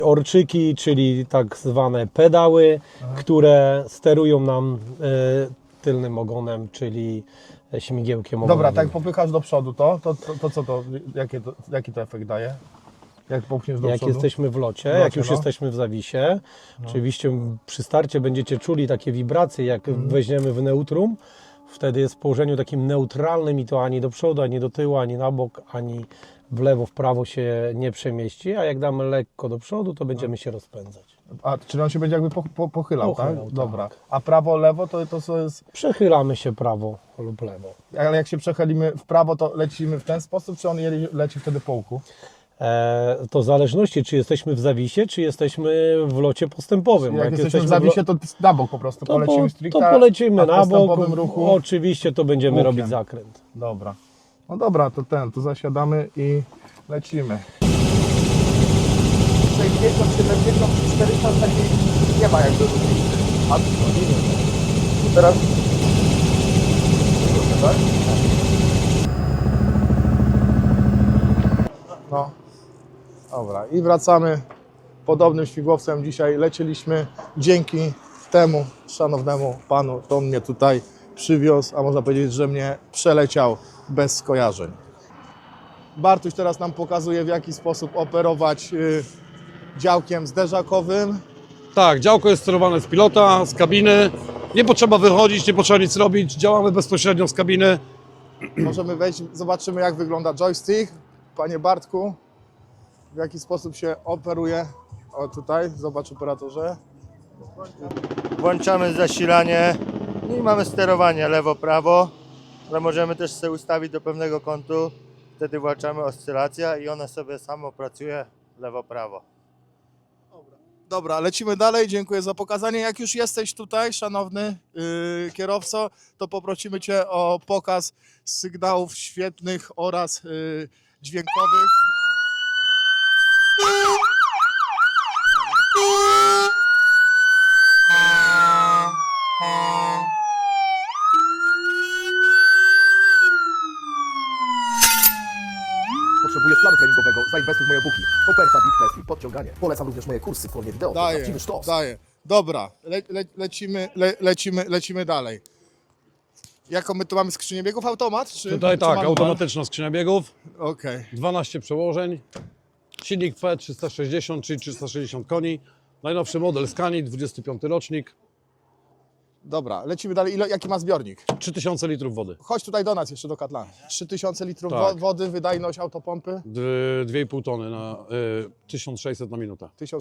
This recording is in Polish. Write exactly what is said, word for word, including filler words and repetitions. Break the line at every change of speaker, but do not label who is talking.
Orczyki, czyli tak zwane pedały, Aha. które sterują nam e, tylnym ogonem, czyli śmigiełkiem ogonowym.
Dobra, tak popychasz do przodu to, to, to, to co to, jakie to, jaki to efekt daje? Jak popchniesz do
jak
przodu?
jesteśmy w locie,
w locie
jak już
no.
jesteśmy w zawisie, no. oczywiście przy starcie będziecie czuli takie wibracje, jak mm. weźmiemy w neutrum, wtedy jest w położeniu takim neutralnym i to ani do przodu, ani do tyłu, ani na bok, ani w lewo, w prawo się nie przemieści, a jak damy lekko do przodu, to będziemy no. się rozpędzać.
A, czyli on się będzie jakby po, po, pochylał,
pochylał,
tak? Dobra.
Tak.
A prawo, lewo to, to co jest?
Przechylamy się prawo lub lewo.
Ale jak się przechylimy w prawo, to lecimy w ten sposób, czy on leci wtedy po łuku?
E, to w zależności, czy jesteśmy w zawisie, czy jesteśmy w locie postępowym.
Jak, jak jesteśmy, jesteśmy w zawisie, to na bok po prostu
to
polecimy
po,
stricte,
to polecimy na bok,
ruchu,
oczywiście to będziemy
łukiem.
robić zakręt.
Dobra. No dobra, to ten, to zasiadamy i lecimy. sześćdziesiąt, siedemdziesiąt, czterysta nie ma jakby różnicy. A teraz... Tak? No. Dobra, i wracamy podobnym śmigłowcem. Dzisiaj lecieliśmy dzięki temu szanownemu panu, to on mnie tutaj przywiózł, a można powiedzieć, że mnie przeleciał bez skojarzeń. Bartuś teraz nam pokazuje, w jaki sposób operować y, działkiem zderzakowym.
Tak, działko jest sterowane z pilota, z kabiny. Nie potrzeba wychodzić, nie potrzeba nic robić. Działamy bezpośrednio z kabiny.
Możemy wejść, zobaczymy, jak wygląda joystick. Panie Bartku, w jaki sposób się operuje. O, tutaj, zobacz operatorze.
Włączamy zasilanie i mamy sterowanie lewo-prawo, ale możemy też sobie ustawić do pewnego kątu. Wtedy włączamy oscylację i ona sobie samo pracuje lewo-prawo.
Dobra. Dobra, lecimy dalej. Dziękuję za pokazanie. Jak już jesteś tutaj, szanowny yy, kierowco, to poprosimy Cię o pokaz sygnałów świetnych oraz yy, dźwiękowych.
Potrzebujesz planu treningowego? Zainwestuj w moje e-booki. Oferta, big test i podciąganie. Polecam również moje kursy w formie wideo.
Daję,
Prawdziwy sztos.
daję. Dobra, le, le, lecimy, le, lecimy, lecimy dalej. Jaką my tu mamy skrzynię biegów? Automat? Czy,
Tutaj
czy
tak,
manual?
automatyczna skrzynia biegów,
Okej. Okay.
dwanaście przełożeń, silnik F E trzysta sześćdziesiąt, czyli trzysta sześćdziesiąt koni, najnowszy model Scani, dwudziesty piąty rocznik,
Dobra, lecimy dalej. Ile, jaki ma zbiornik?
trzy tysiące litrów wody,
Chodź tutaj do nas jeszcze do Katla. trzy tysiące litrów
Tak.
wody, wydajność autopompy.
dwie i pół tony na y, tysiąc sześćset na minutę.